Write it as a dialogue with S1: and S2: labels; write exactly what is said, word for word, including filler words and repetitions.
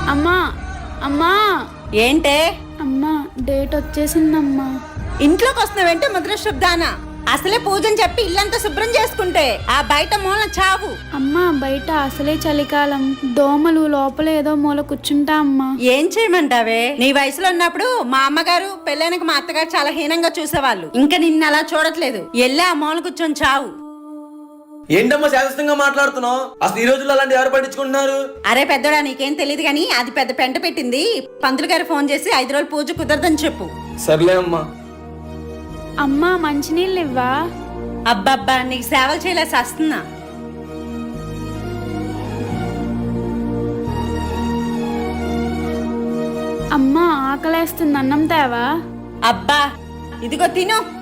S1: అమ్మా అమ్మా
S2: ఏంటే?
S1: అమ్మా డేట్ వచ్చేసిందమ్మా.
S2: ఇంట్లోకి వస్తున్నావంటే ముద్ర శుద్ధానా? అసలే పూజని చెప్పి ఇల్లంతా శుభ్రం చేసుకుంటే ఆ బయట మూల చావు.
S1: అమ్మా బయట అసలే చలికాలం, దోమలు లోపల ఏదో మూల కూర్చుంటా అమ్మా.
S2: ఏం చేయమంటావే? నీ వయసులో ఉన్నప్పుడు మా అమ్మగారు పెళ్ళైనక మా అత్తగారు చాలా హీనంగా చూసేవాళ్ళు. ఇంకా నిన్ను అలా చూడట్లేదు. ఎల్లే ఆ మూల కూర్చొని చావు.
S3: ఏంటమ్మా శాశ్వతంగా మాట్లాడుతున్నావు? అసలు ఈ రోజుల్లో అలాంటి ఎవరు పట్టించుకుంటున్నారు?
S2: అరే పెద్దోడా, నీకేం తెలియదు గానీ అది పెద్ద పెంట పెట్టింది. పంతులు గారు ఫోన్ చేసి ఐదు రోజులు పూజ కుదరదని చెప్పు.
S3: సర్లే అమ్మా.
S1: అమ్మా మంచినీళ్ళు ఇవ్వా?
S2: అబ్బబ్బా, నీకు సేవలు చేయలేసి వస్తున్నా.
S1: అమ్మా ఆకలేస్తుంది, అన్నం తేవా?
S2: అబ్బా ఇదిగో తిను.